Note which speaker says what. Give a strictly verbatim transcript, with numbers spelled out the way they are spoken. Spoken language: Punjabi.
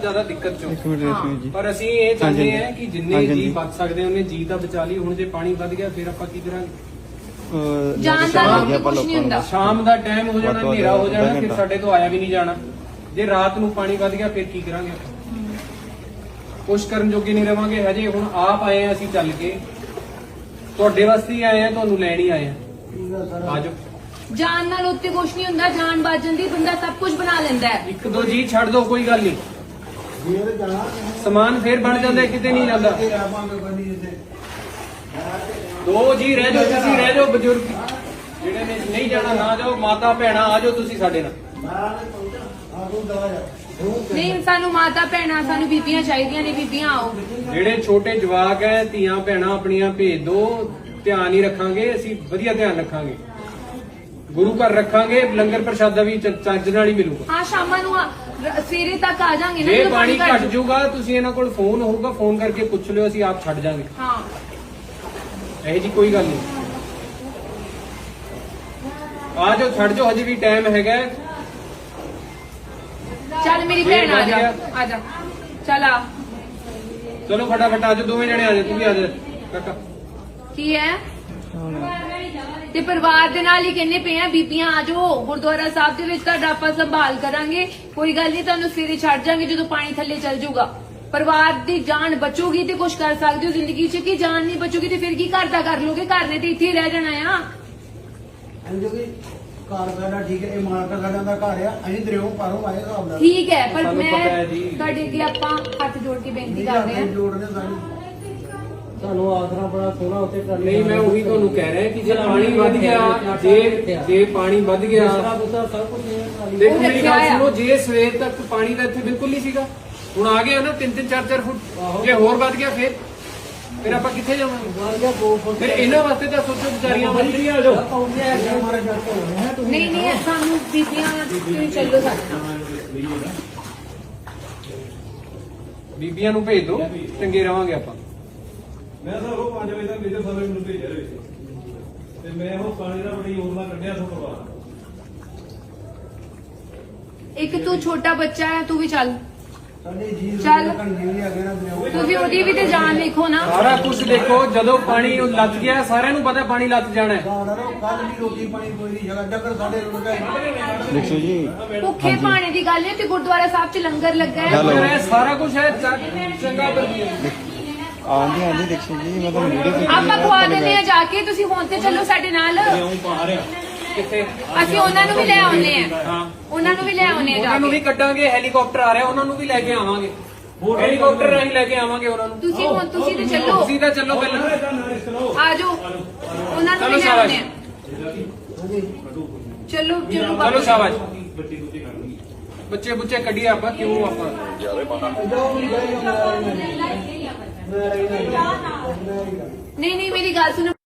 Speaker 1: ज्यादा दिक्कत चो
Speaker 2: एक मिनट रखिए जी।
Speaker 1: पर ਅਸੀਂ ਇਹ ਚਾਹੁੰਦੇ
Speaker 2: ਹਾਂਜੀ,
Speaker 1: ਹਾਂ ਕਿ ਜਿੰਨੇ
Speaker 2: ਹਾਂਜੀ,
Speaker 1: ਜੀ
Speaker 2: ਹਾਂਜੀ।
Speaker 1: ਬਚ ਸਕਦੇ ਉਹਨੇ ਜੀ ਤਾਂ ਬਚਾ ਲਈ। ਹੁਣ ਜੇ ਪਾਣੀ ਵੱਧ ਗਿਆ ਫਿਰ ਆਪਾਂ ਕੀ ਕਰਾਂਗੇ?
Speaker 2: ਅਹ,
Speaker 3: ਜਾਣ ਦਾ
Speaker 2: ਸ਼ਾਮ
Speaker 3: ਲੋਕੀ
Speaker 2: ਆਪਾਂ
Speaker 3: ਕੁਛ ਨਹੀਂ
Speaker 2: ਲੋਕਾਂ ਨੂੰ
Speaker 3: ਹੁੰਦਾ।
Speaker 1: ਸ਼ਾਮ ਦਾ ਟਾਈਮ ਹੋ ਜਾਣਾ,
Speaker 2: ਵੱਧ ਤੋਂ
Speaker 1: ਹਨੇਰਾ ਹੋ
Speaker 2: ਵੱਧ
Speaker 1: ਜਾਣਾ,
Speaker 2: ਅੱਧਾ
Speaker 1: ਫਿਰ
Speaker 2: ਘੰਟਾ।
Speaker 1: ਸਾਡੇ ਤੋਂ ਆਇਆ ਵੀ ਨਹੀਂ ਜਾਣਾ। ਜੇ ਰਾਤ ਨੂੰ ਪਾਣੀ ਵੱਧ ਗਿਆ ਫਿਰ ਕੀ ਕਰਾਂਗੇ? ਕੁਛ ਕਰਨ ਜੋਗੇ ਨਹੀਂ ਰਵਾਂਗੇ। ਹਜੇ ਹੁਣ ਆਪ ਆਏ ਆ ਅਸੀਂ ਚੱਲ ਕੇ, ਤੁਹਾਡੇ ਵਾਸਤੇ ਹੀ ਆਏ ਆ, ਤੁਹਾਨੂੰ ਲੈਣ ਹੀ ਆਏ ਆ। ਆਜੋ,
Speaker 3: ਜਾਨ ਨਾਲ ਉੱਤੇ ਕੁਛ ਨਹੀਂ ਹੁੰਦਾ, ਜਾਨ ਬਚ ਜਾਂਦੀ, ਬੰਦਾ ਸਭ ਕੁਝ ਬਣਾ ਲੈਂਦਾ ਹੈ।
Speaker 1: ਇੱਕ ਦੋ ਜੀ ਛੱਡ ਦੋ, ਕੋਈ ਗੱਲ ਨਹੀਂ। ਸਮਾਨ ਫੇਰ ਬਣ ਜਾਂਦਾ, ਕਿਤੇ ਨਹੀਂ ਜਾਂਦਾ। ਦੋ ਜੀ ਰਹਿ ਜਾਓ, ਤੁਸੀਂ ਰਹਿ ਜਾਓ। ਬਜ਼ੁਰਗ ਜਿਹੜੇ ਨੇ ਨਹੀਂ ਜਾਣਾ ਨਾ ਜਾਓ, ਮਾਤਾ ਭੈਣਾਂ ਆ ਜਾਓ ਤੁਸੀਂ ਸਾਡੇ ਨਾਲ।
Speaker 3: ਨਹੀਂ, ਸਾਨੂੰ ਮਾਤਾ ਭੈਣਾਂ, ਸਾਨੂੰ ਬੀਬੀਆਂ ਚਾਹੀਦੀਆਂ ਨੇ, ਬੀਬੀਆਂ ਆਓ।
Speaker 1: ਜਿਹੜੇ ਛੋਟੇ ਜਵਾਕ ਹੈ, ਧੀਆਂ ਭੈਣਾਂ ਆਪਣੀਆਂ ਭੇਜ ਦੋ। ਧਿਆਨ ਹੀ ਰੱਖਾਂਗੇ ਅਸੀਂ, ਵਧੀਆ ਧਿਆਨ ਰੱਖਾਂਗੇ। ਗੁਰੂ ਘਰ ਰੱਖਾਂਗੇ, ਲੰਗਰ ਪ੍ਰਸ਼ਾਦਾ ਵੀ ਚ- ਚੱਜ ਨਾਲ ਹੀ ਮਿਲੂਗਾ।
Speaker 3: ਹਾਂ, ਸ਼ਾਮਾਂ ਨੂੰ ਆ- ਰ- ਸਵੇਰੇ ਤੱਕ ਆ ਜਾਾਂਗੇ ਨਾ,
Speaker 1: ਜੇ
Speaker 3: ਜਦੋਂ
Speaker 1: ਪਾਣੀ
Speaker 3: ਘੱਟ
Speaker 1: ਘਟ ਜਾਊਗਾ, ਤੁਸੀਂ ਇਹਨਾਂ ਕੋਲ ਫੋਨ ਹੋਊਗਾ, ਫੋਨ ਕਰਕੇ ਪੁੱਛ ਲਿਓ, ਅਸੀਂ ਆਪ ਛੱਡ ਜਾਾਂਗੇ।
Speaker 3: ਹਾਂ,
Speaker 1: ਇਹੋ ਜੀ ਕੋਈ ਗੱਲ ਨਹੀਂ। ਆ ਜਾਓ, ਛੱਡ ਜਾਓ, ਹਜੇ ਵੀ ਟਾਈਮ ਹੈਗਾ।
Speaker 3: ਚੱਲ ਮੇਰੀ ਭੈਣ ਆ ਜਾ, ਆ ਜਾ, ਚੱਲ ਆ।
Speaker 1: ਚਲੋ ਫਟਾਫਟ ਆ ਜਾਓ, ਦੋਵੇਂ ਜਣੇ ਆ ਜਾਓ, ਤੂੰ ਵੀ ਆ ਜਾ ਕਾਕਾ।
Speaker 3: ਕੀ ਹੈ? ਤੇ ਪਰਿਵਾਰ ਦੇ ਨਾਲ ਹੀ ਕਹਿੰਦੇ ਪਏ ਆ, ਬੀਬੀਆਂ ਆ ਜਾਓ ਗੁਰਦੁਆਰਾ ਸਾਹਿਬ ਦੇ ਵਿੱਚ, ਤੁਹਾਡਾ ਆਪਾਂ ਸੰਭਾਲ ਕਰਾਂਗੇ। ਕੋਈ ਗੱਲ ਨਹੀਂ, ਤੁਹਾਨੂੰ ਸਵੇਰੇ ਛੱਡ ਜਾਾਂਗੇ ਜਦੋਂ ਪਾਣੀ ਥੱਲੇ ਚੱਲ ਜਾਊਗਾ। ਪਰਿਵਾਰ ਦੀ ਜਾਨ ਬਚੂਗੀ ਤੇ ਕੁਝ ਕਰ ਸਕਦੇ ਹੋ ਜ਼ਿੰਦਗੀ 'ਚ, ਕਿ ਜਾਨ ਨਹੀਂ ਬਚੂਗੀ ਤੇ ਫਿਰ ਕੀ ਘਰ ਦਾ ਕਰ ਲੋਗੇ? ਘਰ ਨੇ ਤੇ ਇੱਥੇ ਹੀ ਰਹਿ ਜਾਣਾ ਆ।
Speaker 4: ਘਰ ਸਾਡਾ ਠੀਕ ਹੈ, ਇਹ ਮਾਲਕਾ ਸਾਡਾ ਦਾ ਘਰ ਆ, ਅਸੀਂ ਦਰਿਓ ਪਾਰੋਂ ਆਏ ਹਿਸਾਬ ਨਾਲ।
Speaker 3: ਠੀਕ ਹੈ, ਪਰ
Speaker 1: ਸਾਨੂੰ
Speaker 3: ਮੈਂ
Speaker 1: ਪਤਾ ਹੈ ਜੀ।
Speaker 3: ਤੁਹਾਡੇ ਅੱਗੇ ਆਪਾਂ ਹੱਥ ਜੋੜ ਕੇ ਬੇਨਤੀ ਕਰਦੇ ਹਾਂ।
Speaker 4: ਜੋੜਨੇ ਸਾਡੀ
Speaker 5: ਤੁਹਾਨੂੰ ਆਸਰਾ ਬੜਾ ਸੋਹਣਾ ਉੱਤੇ ਕਰ
Speaker 1: ਨਹੀਂ, ਮੈਂ ਉਹੀ ਤੁਹਾਨੂੰ ਕਹਿ ਰਿਹਾ ਕਿ ਜੇ ਪਾਣੀ ਵੱਧ ਗਿਆ, ਜੇ ਜੇ ਪਾਣੀ ਵੱਧ ਗਿਆ,
Speaker 5: ਆਸਰਾ ਬੁਸਰਾ ਸਭ ਕੁਝ ਇਹ
Speaker 1: ਦੇਖੋ ਮੇਰੀ
Speaker 3: ਰੱਖਿਆ
Speaker 1: ਗੱਲ
Speaker 3: ਆ।
Speaker 1: ਸੁਣੋ, ਜੇ ਸਵੇਰ ਤੱਕ ਪਾਣੀ ਦਾ ਇੱਥੇ ਬਿਲਕੁਲ ਨਹੀਂ ਸੀਗਾ, ਹੁਣ ਆ ਗਿਆ ਨਾ ਤਿੰਨ ਤਿੰਨ ਚਾਰ ਚਾਰ ਫੁੱਟ, ਜੇ ਹੋਰ ਵੱਧ ਗਿਆ ਫਿਰ ਫਿਰ ਆਪਾਂ ਕਿੱਥੇ ਜਾਵਾਂਗੇ?
Speaker 5: ਵੱਧ ਗਿਆ ਦੋ ਫੁੱਟ
Speaker 1: ਫਿਰ ਇਹਨਾਂ ਵਾਸਤੇ ਤਾਂ ਸੋਚੋ, ਵਿਚਾਰੀਆਂ ਮੰਤਰੀਆਂ ਆ ਜਾਓ।
Speaker 5: ਪੌਂਦੇ ਆ ਗਏ ਮਾਰੇ ਜੱਟ ਹੋਣੇ ਹੈ ਤੁਸੀਂ।
Speaker 3: ਨਹੀਂ ਨਹੀਂ, ਸਾਨੂੰ ਬੀਬੀਆਂ ਤੁਸੀਂ ਚੱਲੋ ਸਾਡੇ ਨਾਲ।
Speaker 1: ਬੀਬੀਆਂ ਨੂੰ ਭੇਜ ਦਿਓ, ਚੰਗੇ ਰਵਾਂਗੇ ਆਪਾਂ।
Speaker 6: ਮੈਂ ਤਾਂ ਉਹ ਪੰਜ ਵਜੇ ਤੱਕ ਮੇਰੇ ਸਾਰੇ ਮੈਨੂੰ ਭੇਜਿਆ ਰਹੇ ਸੀ ਤੇ ਮੈਂ ਉਹ ਪਾਣੀ ਦਾ ਬੜੀ ਯੋਜਨਾ ਕੱਢਿਆ ਸੋ ਪਰਿਵਾਰ।
Speaker 3: ਇੱਕ ਤੂੰ ਛੋਟਾ ਬੱਚਾ ਹੈ, ਤੂੰ ਵੀ ਚੱਲ।
Speaker 4: ਸਾਡੇ ਜੀ
Speaker 3: ਚੱਲ।
Speaker 4: ਘੰਟੇ ਵੀ ਆ ਗਏ ਨਾ ਦਰਿਓ।
Speaker 3: ਤੁਸੀਂ ਉਹਦੀ ਵੀ ਤੇ ਜਾਨ ਵੇਖੋ ਨਾ।
Speaker 1: ਸਾਰਾ ਕੁਝ ਦੇਖੋ, ਜਦੋਂ ਪਾਣੀ ਲੱਗ ਗਿਆ, ਸਾਰਿਆਂ ਨੂੰ ਪਤਾ ਪਾਣੀ ਲੱਗ ਜਾਣਾ ਹੈ।
Speaker 4: ਕੱਲ ਵੀ ਰੋਟੀ ਪਾਣੀ ਕੋਈ ਨਹੀਂ ਜਗ੍ਹਾ ਡੱਕਰ ਸਾਡੇ ਰੁੜ ਗਏ।
Speaker 2: ਦੇਖੋ ਜੀ,
Speaker 3: ਭੁੱਖੇ ਪਾਣੀ ਦੀ ਗੱਲ ਹੈ ਤੇ ਗੁਰਦੁਆਰਾ ਸਾਹਿਬ 'ਚ ਲੰਗਰ ਲੱਗਾ ਹੈ।
Speaker 2: ਹੈਲੋ।
Speaker 1: ਇਹ ਸਾਰਾ ਕੁਝ ਹੈ, ਚ- ਚੰਗਾ ਵਧੀਆ।
Speaker 2: ਆਂਦੀ ਆਂਦੀ ਦੇਖੋ ਜੀ, ਮੈਂ ਤਾਂ ਵੀਡੀਓ
Speaker 3: ਆਪਾਂ ਖਵਾ ਦਿੰਦੇ ਆ ਜਾ ਕੇ, ਤੁਸੀਂ ਹੁਣ ਤੇ ਚੱਲੋ ਸਾਡੇ ਨਾਲ।
Speaker 1: ਕਿੱਥੇ?
Speaker 3: ਅਸੀਂ ਉਹਨਾਂ ਨੂੰ ਵੀ ਲੈ ਆਉਨੇ ਆ,
Speaker 1: ਹਾਂ,
Speaker 3: ਉਹਨਾਂ ਨੂੰ ਵੀ ਲੈ ਆਉਨੇ ਆ ਜਾ
Speaker 1: ਉਹਨਾਂ ਨੂੰ ਵੀ
Speaker 3: ਕੇ।
Speaker 1: ਕੱਢਾਂਗੇ। ਹੈਲੀਕਾਪਟਰ ਆ ਰਿਹਾ, ਉਹਨਾਂ ਨੂੰ ਵੀ ਲੈ ਕੇ ਆਵਾਂਗੇ। ਹੈਲੀਕਾਪਟਰ ਰਾਹੀਂ ਲੈ ਕੇ ਆਵਾਂਗੇ ਉਹਨਾਂ ਨੂੰ।
Speaker 3: ਤੁਸੀਂ ਹੁਣ ਤੁਸੀਂ ਤੇ ਚੱਲੋ,
Speaker 1: ਤੁਸੀਂ ਤਾਂ ਚੱਲੋ ਪਹਿਲਾਂ।
Speaker 3: ਆ ਜਾਓ, ਉਹਨਾਂ ਨੂੰ
Speaker 1: ਚਲੋ
Speaker 3: ਵੀ ਲੈ
Speaker 1: ਸ਼ਾਬਾਸ਼।
Speaker 3: ਆਉਨੇ ਆ। ਚਲੋ ਚਲੋ
Speaker 1: ਚਲੋ ਸ਼ਾਬਾਸ਼। ਬੱਚੇ ਬੁੱਚੇ ਕੱਢੀਏ ਆਪਾਂ, ਕਿਉਂ ਆਪਾਂ
Speaker 3: ਨਹੀਂ ਨਹੀਂ, ਮੇਰੀ ਗੱਲ ਸੁਣੋ।